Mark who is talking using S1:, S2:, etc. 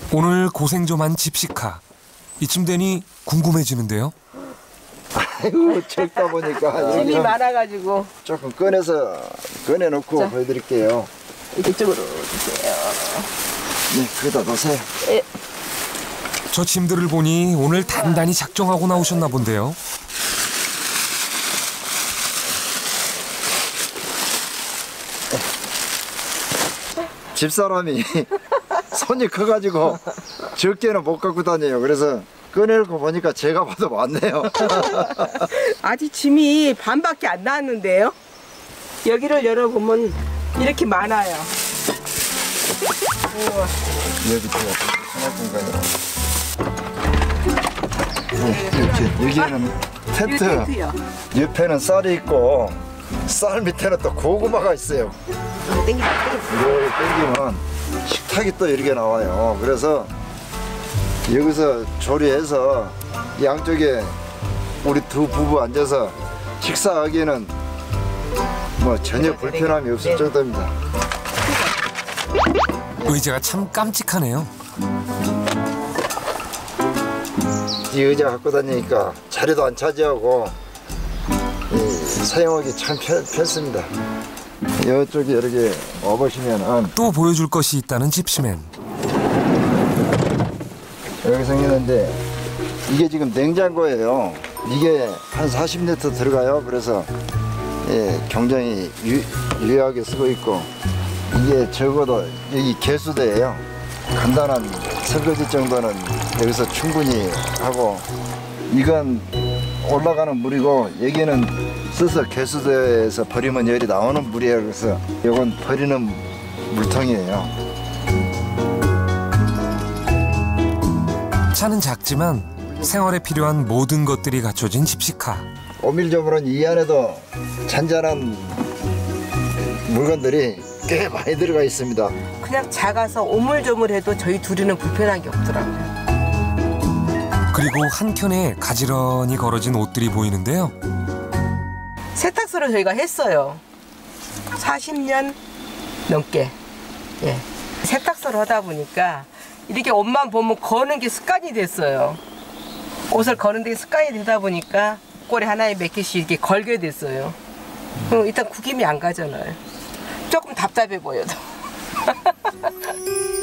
S1: 오늘 고생 좀 한 집시카. 이쯤 되니 궁금해지는데요.
S2: 아이고 적다 보니까
S3: 짐이 많아가지고
S2: 조금 꺼내놓고
S3: 자.
S2: 보여드릴게요.
S3: 이쪽으로 주세요.
S2: 네, 거기다 놓으세요.
S3: 예.
S1: 저 짐들을 보니 오늘 단단히 작정하고 나오셨나 본데요.
S2: 집사람이 손이 커가지고 적게는 못 갖고 다녀요. 그래서 꺼내놓고 보니까 제가 봐도 많네요.
S3: 아직 짐이 반밖에 안 나왔는데요. 여기를 열어보면 이렇게 많아요. 우와.
S2: 여기 제가 생활 공간이요. 이렇게 여기에는 텐트,
S3: 텐트요.
S2: 옆에는 쌀이 있고 쌀 밑에는 또 고구마가 있어요.
S3: 땡기다.
S2: 이걸 땡기면 식탁이 또 이렇게 나와요. 그래서 여기서 조리해서 양쪽에 우리 두 부부 앉아서 식사하기에는 뭐 전혀 불편함이 없을 정도입니다.
S1: 의자가 참 깜찍하네요.
S2: 이 의자 갖고 다니니까 자리도 안 차지하고 사용하기 참 편습니다. 이쪽에 이렇게 와보시면은
S1: 또 보여줄 것이 있다는 집시맨.
S2: 여기 생겼는데 이게 지금 냉장고예요. 이게 한 40리터 들어가요. 그래서 굉장히 유용하게 쓰고 있고 이게 적어도 여기 개수대예요. 간단한 설거지 정도는 여기서 충분히 하고 이건 올라가는 물이고 여기는 써서 개수대에서 버리면 열이 나오는 물이에요. 그래서 이건 버리는 물통이에요.
S1: 차는 작지만 생활에 필요한 모든 것들이 갖춰진 집시카.
S2: 오밀조물은 이 안에도 잔잔한 물건들이 꽤 많이 들어가 있습니다.
S3: 그냥 작아서 오물조물해도 저희 둘이는 불편한 게 없더라고요.
S1: 그리고 한켠에 가지런히 걸어진 옷들이 보이는데요.
S3: 세탁소를 저희가 했어요. 40년 넘게. 예. 세탁소를 하다 보니까 이렇게 옷만 보면 거는 게 습관이 됐어요. 옷을 거는 게 습관이 되다 보니까 꼬리 하나에 몇 개씩 이렇게 걸게 됐어요. 그럼 일단 구김이 안 가잖아요. 조금 답답해 보여도.